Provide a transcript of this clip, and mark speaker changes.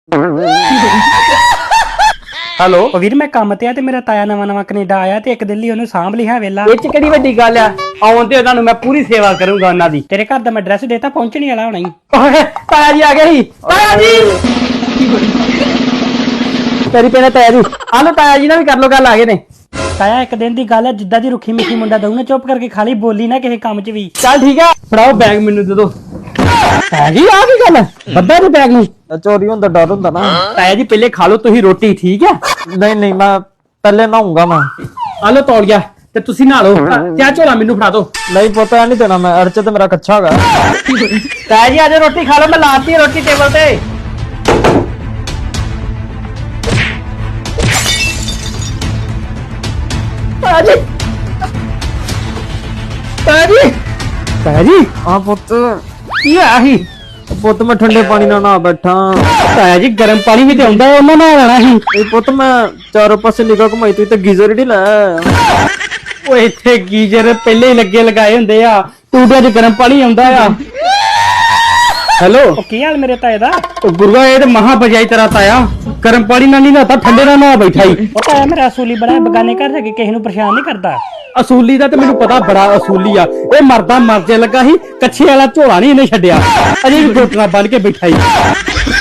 Speaker 1: Hello
Speaker 2: ਉਹ ਵੀਰ ਮੈਂ ਕੰਮ ਤੇ ਆ ਤੇ ਮੇਰਾ ਤਾਇਆ ਨਵਾਂ ਕੈਨੇਡਾ ਆਇਆ ਤੇ ਇੱਕ ਦਿਨ ਲਈ ਉਹਨੂੰ ਸਾਂਭ ਲਿਆ ਵੇਲਾ।
Speaker 1: ਇਹ ਚ ਕਿਹੜੀ ਵੱਡੀ ਗੱਲ ਆ, ਆਉਣ ਤੇ ਉਹਨਾਂ ਨੂੰ ਮੈਂ ਪੂਰੀ ਸੇਵਾ ਕਰੂੰਗਾ ਉਹਨਾਂ ਦੀ।
Speaker 2: ਤੇਰੇ ਘਰ ਦਾ ਮੈਂ ਐਡਰੈਸ ਦੇਤਾ, ਪਹੁੰਚਣੀ ਵਾਲਾ ਹੋਣਾ ਹੀ।
Speaker 1: ਤਾਇਆ ਜੀ ਆ ਗਏ ਸੀ। ਤਾਇਆ ਜੀ ਤੇਰੀ ਪਹਿਲੇ ਤਾਇਆ ਜੀ ਆ ਲੋ, ਤਾਇਆ ਜੀ ਨਾਲ ਵੀ ਕਰ ਲੋ ਗੱਲ, ਆ ਗਏ ਨੇ।
Speaker 2: ਤਾਇਆ ਇੱਕ ਦਿਨ ਦੀ ਗੱਲ ਹੈ, ਜਿੱਦਾਂ ਦੀ ਰੁੱਖੀ ਮਿੱਠੀ ਮੁੰਡਾ ਦਊ ਨਾ ਚੁੱਪ ਕਰਕੇ ਖਾਲੀ, ਬੋਲੀ ਨਾ ਕਿਸੇ ਕੰਮ 'ਚ ਵੀ।
Speaker 1: ਚੱਲ ਠੀਕ ਆ, ਫੜਾਓ ਬੈਗ ਮੈਨੂੰ ਦੇ ਦੋ। ਤਾਇਆ ਜੀ ਆ ਕੀ ਗੱਲ, ਬੱਦਾ ਦੇ ਬੈਗ ਨੂੰ
Speaker 3: ਚੋਰੀ ਹੁੰਦਾ ਡਰ ਹੁੰਦਾ ਨਾ।
Speaker 1: ਤਾਇਆ ਜੀ ਪਹਿਲੇ ਖਾ ਲੋ ਤੁਸੀਂ ਰੋਟੀ, ਠੀਕ ਆ?
Speaker 3: ਨਹੀਂ ਨਹੀਂ ਮੈਂ ਪਹਿਲੇ ਨਹਾਉਂਗਾ ਮੈਂ।
Speaker 1: ਆ ਲੋ ਤੌਲੀਆ ਤੇ ਤੁਸੀਂ ਨਹਾ ਲਓ ਤੇ ਆ ਝੋਲਾ ਮੈਨੂੰ ਫੜਾ ਦੋ।
Speaker 3: ਨਹੀਂ ਪਤਾ ਨਹੀਂ ਦੇਣਾ ਮੈਂ, ਅਰਚ ਤੇ ਮੇਰਾ ਕੱਚਾ ਹੈਗਾ।
Speaker 1: ਤਾਇਆ ਜੀ ਆਜੋ ਰੋਟੀ ਖਾ ਲੋ, ਮੈਂ ਲਾਤੀ ਹੈ ਰੋਟੀ ਟੇਬਲ ਤੇ। ਤਾਇਆ ਜੀ, ਤਾਇਆ ਜੀ, ਤਾਇਆ ਜੀ
Speaker 3: ਆ ਪੁੱਤ,
Speaker 1: ਕੀ ਆ ਹੀ?
Speaker 3: ਪੁੱਤ ਮੈਂ ਠੰਡੇ ਪਾਣੀ ਨਾਲ ਨਹਾ ਬੈਠਾ।
Speaker 1: ਤਾਇਆ ਜੀ ਗਰਮ ਪਾਣੀ ਵੀ ਤੇ ਆਉਂਦਾ, ਉਹਨਾਂ ਨਾਲ ਆਣਾ ਸੀ।
Speaker 3: ਇਹ ਪੁੱਤ ਮੈਂ ਚਾਰੋਂ ਪਾਸੇ ਨਿਗਾਹ ਘੁਮਾਈ ਤੂੰ ਤੇ ਗੀਜ਼ਰ ਹੀ ਲੈ ਆਇਆ।
Speaker 1: ਓਏ ਇੱਥੇ ਗੀਜ਼ਰ ਪਹਿਲੇ ਹੀ ਲੱਗੇ ਲਗਾਏ ਹੁੰਦੇ ਆ, ਟੂਟਿਆਂ 'ਚ ਗਰਮ ਪਾਣੀ ਆਉਂਦਾ ਆ। ਹੈਲੋ
Speaker 2: ਉਹ ਕੀ ਹਾਲ ਮੇਰੇ ਤਾਏ ਦਾ?
Speaker 1: ਗੁਰੂਆ, ਇਹ ਤੇ ਮਹਾ ਬਜਾਈ ਤੇਰਾ ਤਾਇਆ, ਗਰਮ ਪਾਣੀ ਨਾਲ ਨਹੀਂ ਨਹਾਤਾ, ਠੰਡੇ ਨਾਲ ਨਹਾ ਬੈਠਾ ਹੀ।
Speaker 2: ਉਹ ਤਾਇਆ ਮੇਰਾ ਅਸੂਲੀ ਬੜਾ, ਬਗਾਨੇ ਘਰ ਜਾ ਕੇ ਕਿਸੇ ਨੂੰ ਪਰੇਸ਼ਾਨ ਨਹੀਂ ਕਰਦਾ।
Speaker 1: ਅਸੂਲੀ ਦਾ ਤੇ ਮੈਨੂੰ ਪਤਾ, ਬੜਾ ਅਸੂਲੀ ਆ। ਇਹ ਮਰਦਾ ਮਰਜੇ ਲੱਗਾ ਸੀ, ਕੱਛੇ ਵਾਲਾ ਝੋਲਾ ਨਹੀਂ ਇਹਨੇ ਛੱਡਿਆ, ਅਜੇ ਵੀ ਗੋਟਣਾ ਬੰਨ ਕੇ ਬੈਠਾ ਹੀ।